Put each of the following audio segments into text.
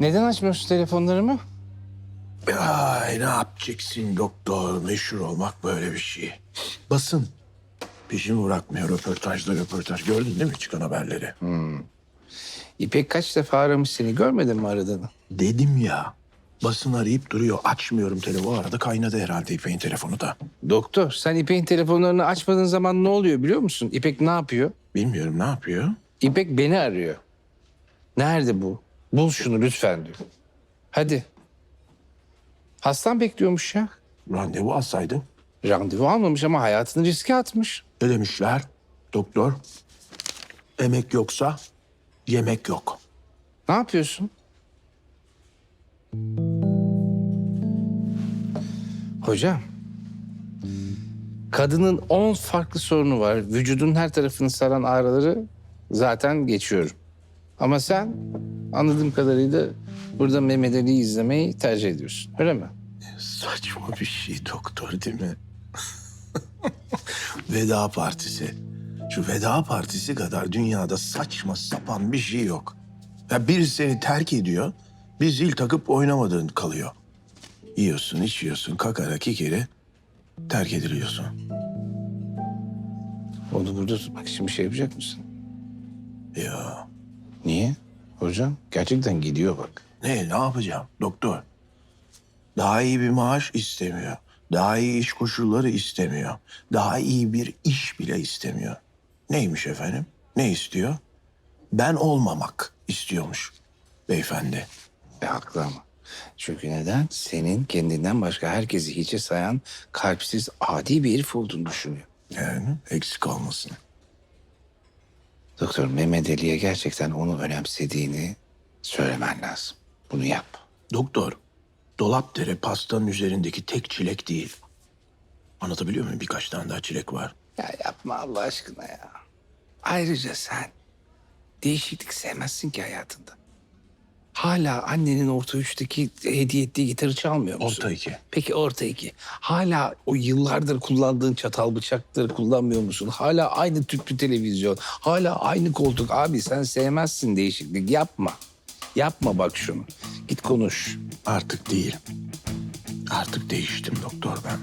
Neden açmıyorsun telefonlarımı? Ay ne yapacaksın doktor? Meşhur olmak böyle bir şey. Basın peşimi bırakmıyor, röportaj. Gördün değil mi çıkan haberleri? İpek kaç defa aramış seni, görmedin mi aradığını? Dedim ya, basın arayıp duruyor. Açmıyorum telefonu. O arada kaynadı herhalde İpek'in telefonu da. Doktor, sen İpek'in telefonlarını açmadığın zaman ne oluyor biliyor musun? İpek ne yapıyor? Bilmiyorum ne yapıyor? İpek beni arıyor. Nerede bu? Bul şunu lütfen diyor. Hadi. Hastan bekliyormuş ya. Randevu alsaydın. Randevu almamış ama hayatını riske atmış. Ne demişler? Doktor, emek yoksa yemek yok. Ne yapıyorsun? Hocam, kadının 10 farklı sorunu var. Vücudun her tarafını saran ağrıları zaten geçiyorum. Ama sen anladığım kadarıyla burada Mehmet Ali'yi izlemeyi tercih ediyorsun. Öyle mi? Saçma bir şey doktor değil mi? Veda partisi. Şu veda partisi kadar dünyada saçma sapan bir şey yok. Ya biri seni terk ediyor, bir zil takıp oynamadığın kalıyor. Yiyorsun, içiyorsun, kakara kikiri terk ediliyorsun. Onu burada tutmak için bir şey yapacak mısın? Ya Niye? Hocam gerçekten gidiyor bak. ne yapacağım doktor? Daha iyi bir maaş istemiyor. Daha iyi iş koşulları istemiyor. Daha iyi bir iş bile istemiyor. Neymiş efendim? Ne istiyor? Ben olmamak istiyormuş beyefendi. Haklı ama. Çünkü neden? Senin kendinden başka herkesi hiçe sayan kalpsiz adi bir herif olduğunu düşünüyor. Yani eksik olmasın. Doktor Mehmet Ali'ye gerçekten onu önemsediğini söylemen lazım. Bunu yap. Doktor, Dolapdere pastanın üzerindeki tek çilek değil. Anlatabiliyor muyum? Birkaç tane daha çilek var. Ya yapma Allah aşkına ya. Ayrıca sen değişiklik sevmezsin ki hayatında. Hala annenin orta üçteki hediye ettiği gitarı çalmıyor musun? Orta iki. Peki orta iki. Hala o yıllardır kullandığın çatal bıçakları kullanmıyor musun? Hala aynı tüplü televizyon. Hala aynı koltuk. Abi sen sevmezsin değişiklik. Yapma. Yapma bak şunu. Git konuş. Artık değil. Artık değiştim doktor ben.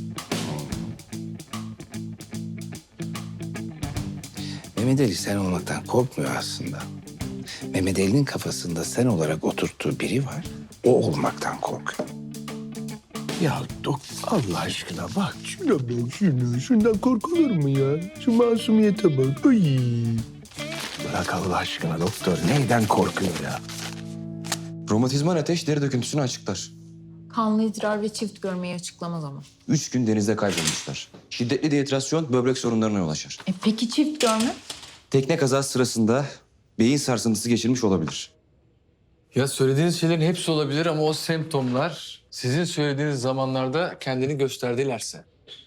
Mehmet Ali sen olmaktan korkmuyor aslında. Mehmet Ali'nin kafasında sen olarak oturttuğu biri var. O olmaktan korkuyor. Ya doktor Allah aşkına bak şuna bak şuna. Şundan korkulur mu ya? Şu masumiyete bak. Ay. Bırak Allah aşkına doktor. Neyden korkuyor ya? Romatizmal ateş deri döküntüsünü açıklar. Kanlı idrar ve çift görmeyi açıklamaz ama. 3 gün denizde kaybolmuşlar. Şiddetli dehidrasyon böbrek sorunlarına yol açar. Peki çift görme? Tekne kazası sırasında beyin sarsıntısı geçirmiş olabilir. Ya söylediğiniz şeylerin hepsi olabilir ama o semptomlar sizin söylediğiniz zamanlarda kendini gösterdilerse.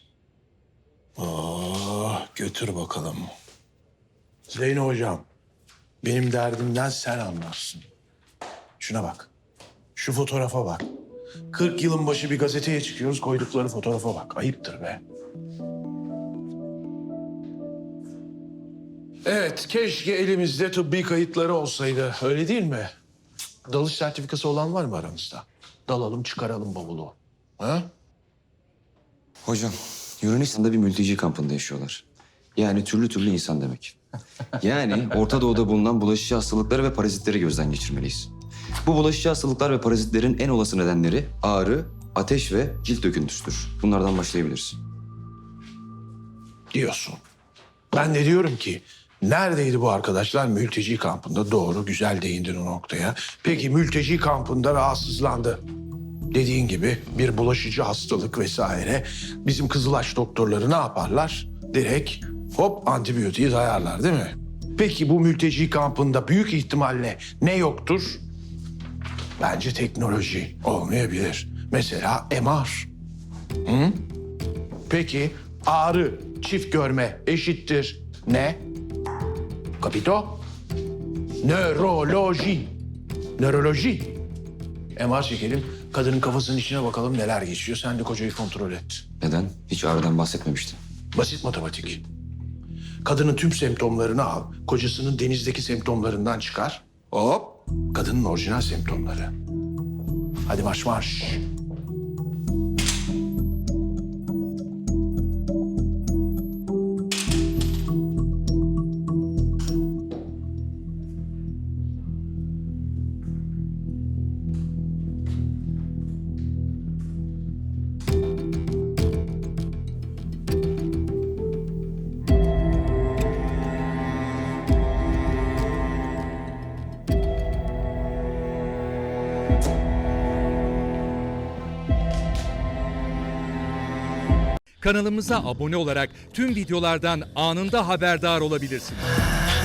Götür bakalım. Zeyno hocam, benim derdimden sen anlarsın. Şuna bak, şu fotoğrafa bak. 40 yılın başı bir gazeteye çıkıyoruz, koydukları fotoğrafa bak. Ayıptır be. Evet, keşke elimizde tıbbi kayıtları olsaydı. Öyle değil mi? Dalış sertifikası olan var mı aranızda? Dalalım, çıkaralım bavulu. Ha? Hocam, Yunanistan'da bir mülteci kampında yaşıyorlar. Yani türlü türlü insan demek. Yani Orta Doğu'da bulunan bulaşıcı hastalıkları ve parazitleri gözden geçirmeliyiz. Bu bulaşıcı hastalıklar ve parazitlerin en olası nedenleri ağrı, ateş ve cilt döküntüsüdür. Bunlardan başlayabiliriz. Diyorsun. Ben de diyorum ki neredeydi bu arkadaşlar mülteci kampında? Doğru, güzel değindin o noktaya. Peki mülteci kampında rahatsızlandı. Dediğin gibi bir bulaşıcı hastalık vesaire. Bizim Kızılaç doktorları ne yaparlar? Direkt hop antibiyotiği dayarlar değil mi? Peki bu mülteci kampında büyük ihtimalle ne yoktur? Bence teknoloji olmayabilir. Mesela MR. Hı? Peki ağrı, çift görme eşittir ne? Kapito? Nöroloji. Nöroloji. MR çekelim, kadının kafasının içine bakalım neler geçiyor. Sen de kocayı kontrol et. Neden? Hiç ağrıdan bahsetmemiştin. Basit matematik. Kadının tüm semptomlarını al, kocasının denizdeki semptomlarından çıkar. Hop, Kadının orijinal semptomları. Hadi marş marş. Kanalımıza abone olarak tüm videolardan anında haberdar olabilirsiniz.